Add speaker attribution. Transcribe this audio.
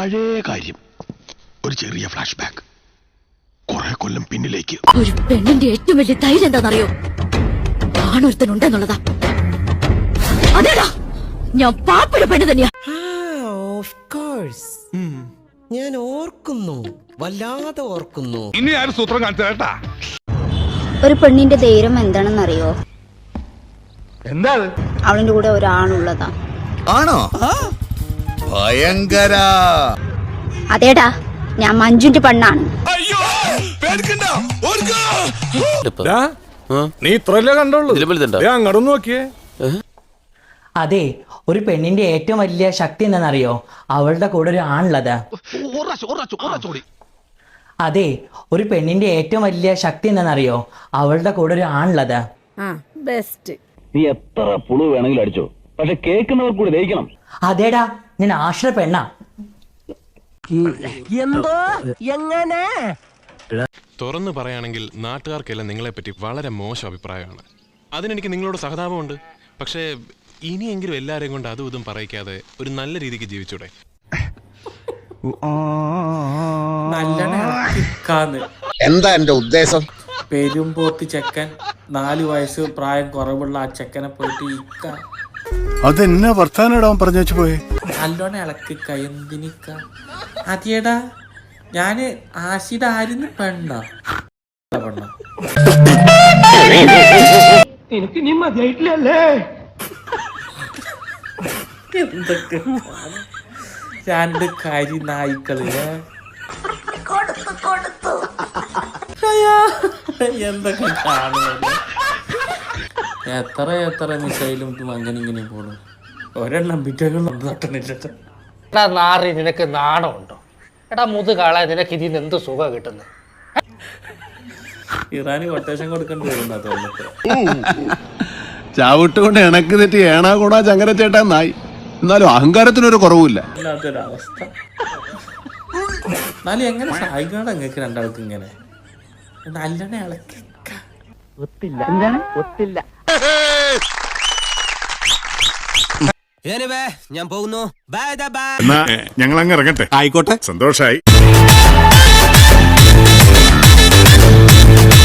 Speaker 1: പഴയ കാര്യം, ഒരു ചെറിയ ഫ്ലാഷ് ബാക്ക്, കുറെ കൊല്ലം പിന്നിലേക്ക്.
Speaker 2: ഒരു പെണ്ണിന്റെ ഏറ്റവും വലിയ ധൈര്യം എന്താണെന്നറിയോ? ആണൊരുത്തനുണ്ടെന്നുള്ളതാ. അതേടാ, ഞാൻ പാപ്പിട പെണ്ണ് തന്നെയാ.
Speaker 3: ഞാൻ ഓർക്കുന്നു, വല്ലാതെ ഓർക്കുന്നു.
Speaker 1: ഇനി ആരും സൂത്രം കാണിച്ചാ.
Speaker 4: ഒരു പെണ്ണിന്റെ ധൈര്യം എന്താണെന്നറിയോ?
Speaker 1: എന്താ
Speaker 4: അവളിന്റെ കൂടെ ഒരാണുള്ളതാ.
Speaker 5: ആണോ? ഭയങ്കര.
Speaker 4: അതേടാ, ഞാൻ മഞ്ജുന്റെ പെണ്ണാണ്.
Speaker 1: നീ ഇത്രല്ലേ കണ്ടോളൂ, അങ്ങോട്ട് നോക്കിയേ.
Speaker 6: അതെ, ഒരു പെണ്ണിന്റെ ഏറ്റവും വലിയ ശക്തി എന്താണെന്നറിയോ? അവളുടെ കൂടെ ഒരു ആണുള്ളതാ. അതെ, ഒരു പെണ്ണിന്റെ ഏറ്റവും വലിയ ശക്തി എന്താണെന്നറിയോ? അവളുടെ കൂടെ ഒരു ആണുള്ളതാ.
Speaker 2: ബെസ്റ്റ്.
Speaker 7: നീ എത്ര പുളു വേണമെങ്കിലും അടിച്ചോ, പക്ഷെ കേൾക്കുന്നവർ കൂടി ദഹിക്കണം.
Speaker 6: അതേടാ, ഞാൻ ആശ്ര പെണ്ണാ.
Speaker 3: എന്തോ എങ്ങനെ
Speaker 8: തുറന്നു പറയുകയാണെങ്കിൽ നാട്ടുകാർക്കെല്ലാം നിങ്ങളെപ്പറ്റി വളരെ മോശം അഭിപ്രായമാണ്. അതിനെനിക്ക് നിങ്ങളോട് സഹതാപമുണ്ട്. പക്ഷേ ഇനിയെങ്കിലും എല്ലാവരെയും കൊണ്ട് അതും ഇതും പറയിക്കാതെ ഒരു നല്ല രീതിക്ക് ജീവിച്ചൂടെ?
Speaker 5: എന്താ എന്റെ ഉദ്ദേശം?
Speaker 9: പെരുമ്പോത്ത് ചെക്കൻ, 4 വയസ്സ് പ്രായം കുറവുള്ള ആ ചെക്കനെ പോയിട്ട്
Speaker 1: അതെന്നാ വർത്താനം പറഞ്ഞു വെച്ചു പോയെ.
Speaker 9: നല്ലോണം ഇളക്കിക്ക. എന്തിനിക്ക? അതേടാ, ഞാന് ആശിയുടെ ആയിരുന്നു പെണ്ണോ പെണ്ണോ?
Speaker 3: എനിക്ക് നീ മതിയായിട്ടില്ലല്ലേ?
Speaker 9: എന്തൊക്കെ രണ്ട് കരി നായ്ക്കള് എന്തൊക്കെ കാണുന്നത്. എത്ര മിസൈലും അങ്ങനെ ഇങ്ങനെ പോണു. ഒരെണ്ണം പിറ്റേക്കും തട്ടണില്ല.
Speaker 3: എടാ നാറി, നിനക്ക് നാണമുണ്ടോ? എടാ മുതുകാളെ, നിനക്ക് ഇതിന് എന്ത് സുഖം കിട്ടുന്നത്?
Speaker 9: ഇറാന് കൊട്ടേഷൻ കൊടുക്കേണ്ടി വരുന്ന തോന്നിട്ട്.
Speaker 1: ചാവിട്ടുകൊണ്ട് ഇണക്ക് തെറ്റി ഏണാ കൂടാ ചങ്ങര ചേട്ടാ നായി. എന്നാലും അഹങ്കാരത്തിനൊരു കുറവുമില്ല.
Speaker 9: അല്ലാത്തൊരവസ്ഥ. എന്നാലും എങ്ങനെ സായിക്കാണ് നിങ്ങൾക്ക് രണ്ടാൾക്ക് ഇങ്ങനെ നല്ലോണം ഇളക്കി?
Speaker 3: ഒത്തില്ല. എന്താണ് ഒത്തില്ല?
Speaker 5: ഞാൻ പോകുന്നു.
Speaker 1: ഞങ്ങൾ അങ്ങ് ഇറങ്ങട്ടെ.
Speaker 5: ആയിക്കോട്ടെ,
Speaker 1: സന്തോഷായി.